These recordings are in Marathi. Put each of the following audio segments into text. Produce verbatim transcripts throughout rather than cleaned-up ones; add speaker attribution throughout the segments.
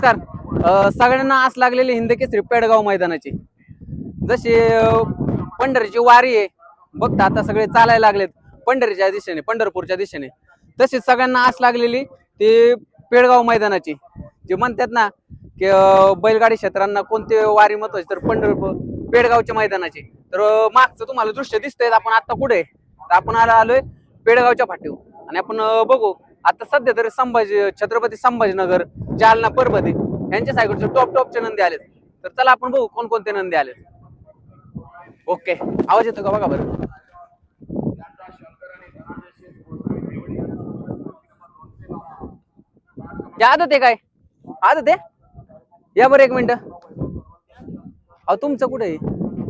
Speaker 1: तर सगळ्यांना आस लागलेली हिंद केसरी पेडगाव मैदानाची जशी पंढरीची वारी आहे बघता आता सगळे चालायला लागलेत पंढरीच्या दिशेने पंढरपूरच्या दिशेने तशीच सगळ्यांना आस लागलेली ती पेडगाव मैदानाची जे म्हणतात ना की बैलगाडी क्षेत्रांना कोणते वारी महत्वाची तर पंढरपूर पेडगावच्या मैदानाची तर मागचं तुम्हाला दृश्य दिसतंय आपण आता कुठे तर आपण आला आलोय पेडगावच्या फाटीवर आणि आपण बघू आता सध्या तरी संभाजी छत्रपती संभाजीनगर जालना परभणी यांच्या साईडचे टॉप टॉपचे नंदी आलेत तर चला आपण बघू कोणकोणते नंदी आलेत. ओके आवाज येतो का बघा बरं. आदत आहे काय आदत आहे या बरं एक मिनिट. अहो तुमचं कुठे आहे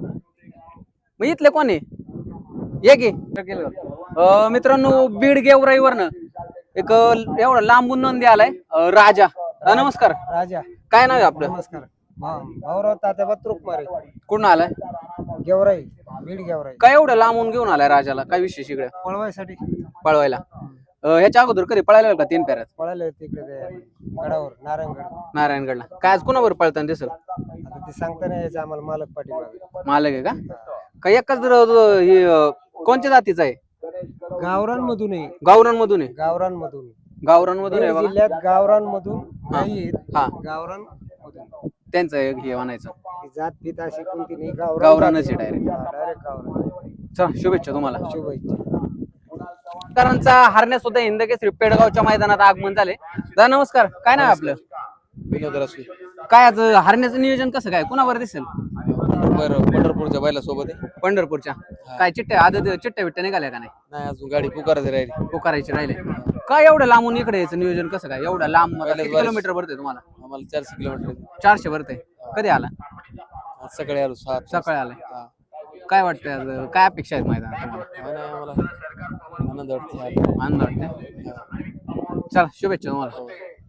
Speaker 1: मग इथले कोण आहे ये की मित्रांनो बीड गेवराईवरनं एक एवढा लांबून नंदी आलाय राजा. नमस्कार
Speaker 2: राजा.
Speaker 1: काय नाव आहे आपलं.
Speaker 2: नमस्कार भाऊराव तात्या बत्रुक मारे.
Speaker 1: कुठून आलाय.
Speaker 2: गेवराई बीड गेवराई.
Speaker 1: काय एवढं लांबून घेऊन आलाय राजाला काय विशेष इकडे
Speaker 2: पळवायसाठी
Speaker 1: पळवायला. ह्याच्या अगोदर कधी पळायला का तीन पेऱ्यात
Speaker 2: पळाले तिकडे गडावर नारायणगड
Speaker 1: नारायणगडला काय आज कुणावर पळताना दिसल
Speaker 2: आता ते सांगता नाही यायचं आम्हाला मालक पाठीमागे.
Speaker 1: मालक आहे का काय एकाच कोणत्या जातीचा आहे.
Speaker 2: गावरांमधून आहे.
Speaker 1: गावरांमधून आहे.
Speaker 2: गावरांमधून
Speaker 1: गावरांमधून आहे बघा.
Speaker 2: जिल्ह्यात गावरांमधून नाही
Speaker 1: हा
Speaker 2: गावरांमधून
Speaker 1: त्यांचं हे म्हणायचं
Speaker 2: जात पीत अशी कोणती नाही
Speaker 1: गावरानच आहे डायरेक्ट.
Speaker 2: डायरेक्ट गावरान.
Speaker 1: चला शुभेच्छा तुम्हाला.
Speaker 2: शुभेच्छा.
Speaker 1: करांचा हरण्या सुद्धा हिंद केसरी पेडगावच्या मैदानात आगमन झाले. दादा नमस्कार काय नाव आपलं.
Speaker 3: विनोद रासू.
Speaker 1: काय आज हरण्याचं नियोजन कसं काय कुणावर दिसेल.
Speaker 3: बरं पंढरपूरच्या बैला सोबत आहे.
Speaker 1: पंढरपूरच्या काय चिट्ट्या आदत चिट्ट्या बिट्ट्या निघाल्या का नाही.
Speaker 3: नाही अजून गाडी पुकारायची राहिली.
Speaker 1: पुकारायची राहिले काय एवढं लांबून इकडे यायचं नियोजन कसं काय एवढं लांब किती किलोमीटर भरते तुम्हाला.
Speaker 3: आम्हाला चारशे किलोमीटर
Speaker 1: चारशे भरते. कधी आला
Speaker 3: सकाळी आलो सात
Speaker 1: सकाळी आलाय. काय वाटतंय आज काय अपेक्षा आहेत मैदानात तुम्हाला.
Speaker 3: आम्हाला आनंद वाटते.
Speaker 1: आनंद वाटते. चला शुभेच्छा तुम्हाला.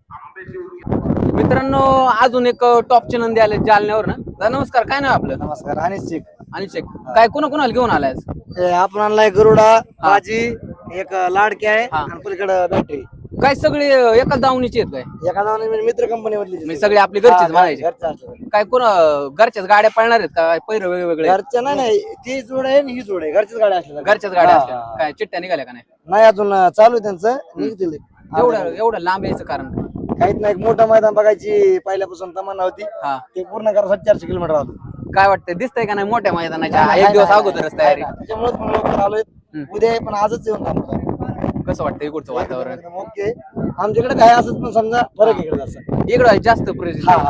Speaker 1: मित्रांनो अजून एक टॉपचे नंदी आले जालन्यावर ना. नमस्कार काय नाव आपलं.
Speaker 2: नमस्कार अनिश शेख.
Speaker 1: अनिश शेख काय कुणा कुणाला घेऊन आलाय.
Speaker 2: आपण आणलाय गरुडा बाजी एक लाडकी आहे
Speaker 1: हा.
Speaker 2: आणि पलीकडे बॅटरी.
Speaker 1: काय सगळे एकाच दावणीचे आहेत काय
Speaker 2: एका नावाने मित्र कंपनी मधली
Speaker 1: म्हणजे सगळे आपली घरचेच म्हणायचे. काय कोण घरच्याच गाड्या पळणार आहेत का पैर वेगवेगळे.
Speaker 2: घरच्या नाही नाही ती जोड आहे आणि ही जोड आहे घरच्याच गाड्या असल्या.
Speaker 1: घरच्याच गाड्या असल्या काय चिट्ट्या निघाल्या का नाही.
Speaker 2: नाही अजून चालू आहे त्यांचं निघतील.
Speaker 1: एवढं एवढं लांब यायचं कारण काय?
Speaker 2: काहीच नाही मोठं मैदान बघायची पहिल्यापासून तमन्ना होती
Speaker 1: हा
Speaker 2: ते पूर्ण करायसाठी चारशे किलोमीटर आलो.
Speaker 1: काय वाटतंय दिसतंय का नाही मोठ्या मैदानाच्या एक दिवस अगोदरच तयारी.
Speaker 2: त्याच्यामुळेच पण लवकर आलोय. उद्या आहे पण आजच येऊन थांबतो.
Speaker 1: कसं वाटतं इकडचं वातावरण.
Speaker 2: ओके आमच्याकडे काय असत पण समजा फरक इकडे जसं
Speaker 1: इकडं जास्त प्रेझेंट.
Speaker 2: हा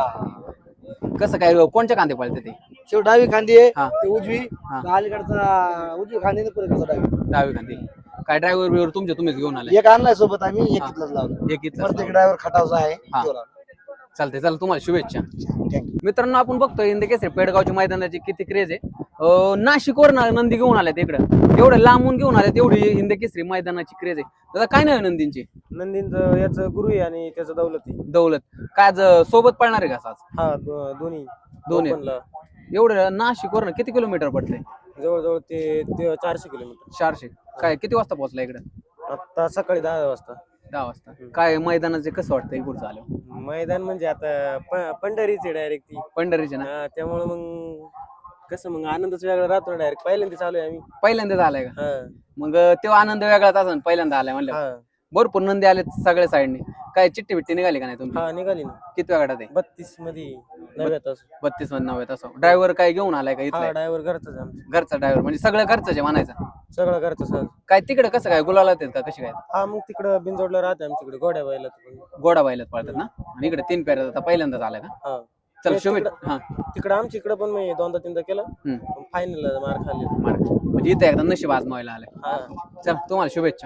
Speaker 2: हा
Speaker 1: कसं काय कोणच्या कांदे पळते ते.
Speaker 2: शेव डावी खांदी आहे
Speaker 1: हा.
Speaker 2: ते उजवी
Speaker 1: हा.
Speaker 2: अलीकडचा उजवी खांदी पुढे डावी
Speaker 1: डावी कांदे काय ड्रायव्हर बिवर तुमचे तुम्हीच घेऊन आले.
Speaker 2: एक आणलाय सोबत आम्ही एक इथलाच लावलो.
Speaker 1: एक इथलं
Speaker 2: प्रत्येक ड्रायव्हर खटावचा आहे.
Speaker 1: हा.
Speaker 2: तो लावलो.
Speaker 1: चालतंय चला तुम्हाला शुभेच्छा.
Speaker 2: थँक्यू.
Speaker 1: मित्रांनो आपण बघतोय हिंद केसरी पेडगावच्या मैदानाची किती क्रेज आहे. नाशिकवर नंदी घेऊन आल्यात इकडं एवढं लांबून घेऊन आल्यात एवढी हिंद केसरी मैदानाची क्रेज आहे. दादा काय नाही नंदींची.
Speaker 2: नंदींचं याचं गुरु आहे आणि त्याचं दौलती.
Speaker 1: दौलत काय आज सोबत पळणार आहे का आज.
Speaker 2: हा दो- दोन्ही
Speaker 1: दोन्ही
Speaker 2: ओपनला.
Speaker 1: एवढं नाशिकवर किती किलोमीटर पडतंय.
Speaker 2: जवळजवळ ते ते चारशे किलोमीटर.
Speaker 1: चारशे काय किती वाजता पोहोचला इकडं.
Speaker 2: आता सकाळी दहा वाजता.
Speaker 1: दहा वाजता काय मैदानाचे कसं वाटतं इकडचं आलं.
Speaker 2: मैदान म्हणजे आता प- पंढरीचे डायरेक्ट ती
Speaker 1: पंढरीचे ना
Speaker 2: हा, त्यामुळे मग कसं मग आनंदच वेगळा राहतो डायरेक्ट पहिल्यांदा चालू आहे आम्ही.
Speaker 1: पहिल्यांदाच आलाय का.
Speaker 2: हा
Speaker 1: मग तेव्हा आनंद वेगळाच असेल पहिल्यांदा आलाय म्हणलं.
Speaker 2: हा
Speaker 1: भरपूर नंदी आले सगळ्या साईडने काय चिट्टी बिट्टी निघाली का नाही तुम्ही.
Speaker 2: हा निघाली ना
Speaker 1: किती वेळा ते
Speaker 2: बत्तीस मध्ये नव्या तास.
Speaker 1: बत्तीस मध्ये नव्हे तसं ड्रायव्हर काय घेऊन आलाय का
Speaker 2: हा
Speaker 1: इथला
Speaker 2: ड्रायव्हर घरचाच आहे आमचा.
Speaker 1: घरचा ड्रायव्हर म्हणजे सगळं घरचं आहे म्हणायचं.
Speaker 2: सगळं घरचं सर.
Speaker 1: काय तिकडे कसं काय गुलाला येतात का कशी काय.
Speaker 2: हा मग तिकडं बिनजोडला राहते आमच्याकडे गोड्या बायला.
Speaker 1: गोडा बायलाच पळतात ना आणि इकडे तीन पेऱ्या आता पहिल्यांदाच आलाय का.
Speaker 2: हा
Speaker 1: चल
Speaker 2: ते
Speaker 1: शुभेच्छा.
Speaker 2: तिकडं-
Speaker 1: हा
Speaker 2: तिकडं आमच्या इकडे पण मी दोनदा तीनदा केलं
Speaker 1: हम्म.
Speaker 2: फायनल मार खाल्ली.
Speaker 1: मार्क. म्हणजे इथे एकदा नशीब आजमावायला आलाय.
Speaker 2: हा
Speaker 1: चल तुम्हाला शुभेच्छा.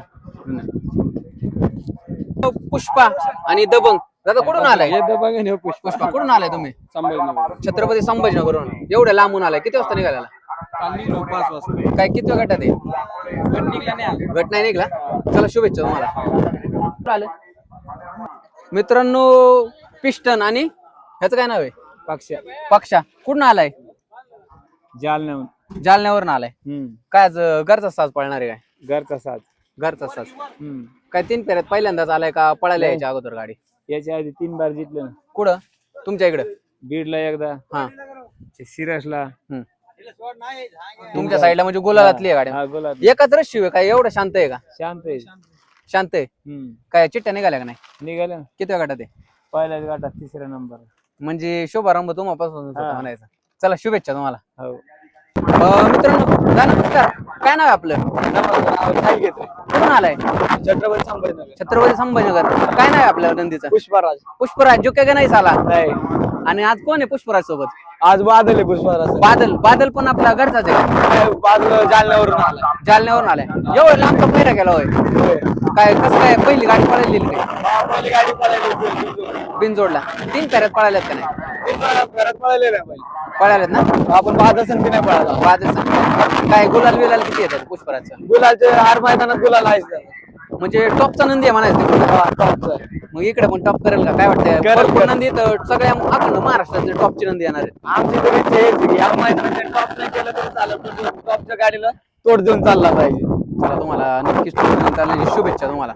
Speaker 1: पुष्पा आणि दबंग दादा कुठून आलाय. पुष्पा कुठून आलाय तुम्ही.
Speaker 3: संभाजीनगर.
Speaker 1: छत्रपती संभाजीनगरवरून एवढ्या लांबून आलाय. किती वाजता निघाला.
Speaker 3: पाच वाजता.
Speaker 1: काय किती गटात आहे. गट नाही निघला. चला शुभेच्छा तुम्हाला. आलं मित्रांनो पिस्टन आणि ह्याचं काय नाव आहे.
Speaker 3: पक्षा.
Speaker 1: पक्षा कुठून आलाय.
Speaker 3: जालन्याहून.
Speaker 1: जालन्यावरून आलाय. काय आज घरचा साज पळणार आहे काय.
Speaker 3: घरचा साथ.
Speaker 1: घरचा साज काय तीन फेऱ्यात पहिल्यांदाच आलाय का पळायला यायच्या अगोदर गाडी.
Speaker 3: याच्या आधी तीन बार जिंकलं ना.
Speaker 1: कुठं तुमच्या इकडे
Speaker 3: बीडला एकदा
Speaker 1: हा
Speaker 3: सिरसला
Speaker 1: तुमच्या साईडला म्हणजे गुलालातली आहे गाडी
Speaker 3: हा गोला
Speaker 1: एकच रशी आहे काय एवढं शांत आहे का
Speaker 3: शांत आहे
Speaker 1: शांत आहे
Speaker 3: हम्म
Speaker 1: काय चिट्ट्या निघाल्या का नाही
Speaker 3: निघाल्या
Speaker 1: किती गटात आहे
Speaker 3: पहिल्याच गाठात तिसरा नंबर
Speaker 1: म्हणजे शुभारंभ तुम्हापासून होता
Speaker 3: हा.
Speaker 1: म्हणायचा चला शुभेच्छा तुम्हाला
Speaker 3: हो
Speaker 1: अं, मित्रांनो जा नमस्कार काय नाव आहे आपलं कुठून आलाय
Speaker 2: छत्रपती संभाजीनगर
Speaker 1: छत्रपती संभाजीनगर काय नाव आहे आपल्या नंदीचं
Speaker 2: पुष्पराज
Speaker 1: पुष्पराज जो काय नाही साला
Speaker 2: नाही
Speaker 1: आणि आज कोण आहे पुष्पराज सोबत
Speaker 2: आज बादल आहे पुष्पराज
Speaker 1: बादल बादल पण आपला घरचाच आहे
Speaker 2: बादल जालन्यावरून आला
Speaker 1: जालन्यावरून आलाय एवढं लांबचा पहिरा गेला होय काय कसं काय पहिली गाडी पळायला दिली काय
Speaker 2: पहिली गाडी पळायली
Speaker 1: बिनजोडला तीन फेऱ्यात पळाल्यात का नाही
Speaker 2: घरात पळालेलं आहे पहिले
Speaker 1: पळाल्यात ना
Speaker 2: आपण बादल संधी नाही पळाला
Speaker 1: बादल संघ. काय गुलाल बिलाल किती येतात पुष्पराजचं
Speaker 2: गुलालचे हर मैदानात गुलाल आहेच त्याला.
Speaker 1: म्हणजे टॉपचा नंदी आहे म्हणायचं
Speaker 2: हा, टॉपचं आहे.
Speaker 1: मग इकडे पण टॉप करेल का काय वाटतंय
Speaker 2: करेल,
Speaker 1: भरपूर
Speaker 2: करेल.
Speaker 1: नंदी तर सगळ्या अखंड महाराष्ट्रातले टॉपची नंदी येणार आहेत
Speaker 2: आमची तरी इच्छा हेच आहे की या मैदानात टॉप नाही केलं तरी चालेल पण टॉपच्या गाडीला तोड देऊन चालला पाहिजे
Speaker 1: चला तुम्हाला नक्कीच चालण्याची शुभेच्छा तुम्हाला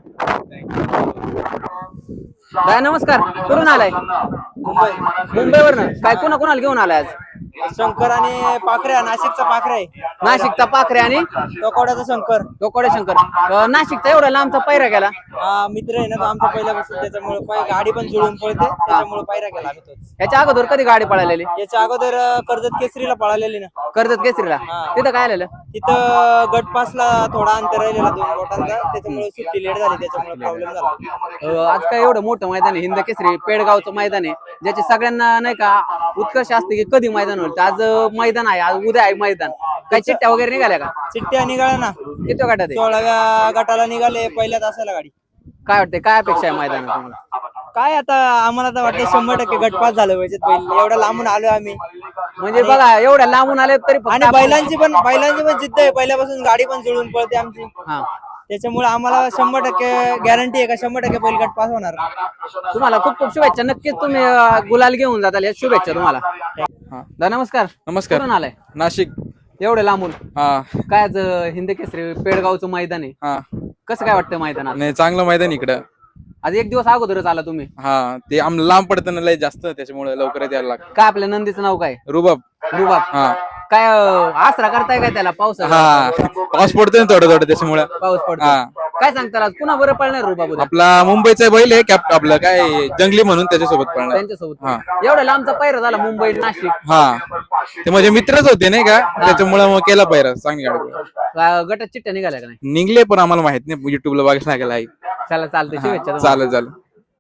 Speaker 1: काय नमस्कार कुठून आलाय
Speaker 2: मुंबई
Speaker 1: मुंबईवरनं काय कोणा कोणाला घेऊन आलाय आज
Speaker 2: शंकर आणि पाखऱ्या नाशिकचा पाखरा आहे
Speaker 1: नाशिकचा पाखरे आणि
Speaker 2: टोकवाड्याचा शंकर
Speaker 1: गोकोडे शंकर अं, नाशिकचा एवढा लांबचा पैरा गेला
Speaker 2: हा मित्र आहे ना तो आमचा पहिल्यापासून त्याच्यामुळे पाय गाडी पण जुळून पळते त्याच्यामुळे पायरा केला आम्ही तोच
Speaker 1: याच्या अगोदर कधी गाडी पळालेली
Speaker 2: याच्या अगोदर अं, कर्जत केसरीला पळालेली ना
Speaker 1: कर्जत केसरीला
Speaker 2: हा.
Speaker 1: तिथं काय आलेलं
Speaker 2: तिथं गट पासला थोडा अंतर राहिलेला दोन बोटांचा त्याच्यामुळे सुट्टी लेट झाली त्याच्यामुळे प्रॉब्लेम झाला
Speaker 1: अं, आज काय एवढं मोठं मैदान आहे हिंद केसरी पेडगावचं मैदान आहे ज्याचे सगळ्यांना नाही का उत्कर्ष असते की कधी मैदान होईल तर आज अं, मैदान आहे आज उद्या आहे मैदान काय चिट्ट्या वगैरे निघाल्या का
Speaker 2: चिट्ट्या निघाल्या ना
Speaker 1: किती गटात आहे
Speaker 2: सोळाव्या गटाला निघाले पहिल्या तासाला गाडी
Speaker 1: काय वाटतंय काय अपेक्षा आहे मैदानात तुम्हाला
Speaker 2: काय आता आम्हाला तर वाटतं शंभर टक्के गटपास झालं पाहिजे पहिले एवढं लांबून आलो आम्ही
Speaker 1: म्हणजे बघा एवढ्या लांबून आले तरी फक्त
Speaker 2: आणि
Speaker 1: आपण-
Speaker 2: बैलांची पण बैलांची पण जिद्द आहे पहिल्यापासून गाडी पण जुळून पळते आमची
Speaker 1: हा
Speaker 2: त्याच्यामुळे आम्हाला शंभर टक्के गॅरंटी आहे का शंभर टक्के बैल गट पास होणार
Speaker 1: तुम्हाला खूप खूप शुभेच्छा नक्कीच तुम्ही अं, गुलाल घेऊन जाताल या शुभेच्छा तुम्हाला दा नमस्कार
Speaker 3: नमस्कार
Speaker 1: कुठून आलाय
Speaker 3: नाशिक
Speaker 1: एवढे लांबून
Speaker 3: हा
Speaker 1: काय आज अं, हिंद केसरी पेडगावचं मैदान आहे
Speaker 3: हा
Speaker 1: कसं काय वाटतं मैदानात
Speaker 3: नाही चांगलं मैदान इकडं
Speaker 1: आज एक दिवस अगोदरच आला तुम्ही
Speaker 3: हा ते आम लांब पडतं ना लय जास्त त्याच्यामुळे लवकर यायला लागतं
Speaker 1: काय आपल्या नंदीचं नाव काय
Speaker 3: रुबाब
Speaker 1: रुबाब
Speaker 3: हा
Speaker 1: काय अं, आसरा करताय काय त्याला पाऊस
Speaker 3: हा पाऊस पडतोय ना थोडं थोडं त्याच्यामुळे
Speaker 1: पाऊस पडतो
Speaker 3: हा.
Speaker 1: काय सांगता आज पुन्हा बरं पळणार रुबाब उद्या?
Speaker 3: आपला मुंबईचा बैल आहे कॅप्ट आपलं काय जंगली म्हणून त्याच्यासोबत पळणार
Speaker 1: त्यांच्यासोबत
Speaker 3: हा.
Speaker 1: एवढा लांबचा पैरा झाला मुंबई नाशिक
Speaker 3: हा ते माझे मित्रच होते नाही का त्याच्यामुळे मग केला पाहिजे चांगली गाडी
Speaker 1: का गटात चिट्ट्या निघाल्या का नाही
Speaker 3: निघले पण आम्हाला माहित नाही युट्यूबला बघायला लागेल आहे
Speaker 1: चला चालतंय शुभेच्छा तुम्हाला.
Speaker 3: चालेल चालेल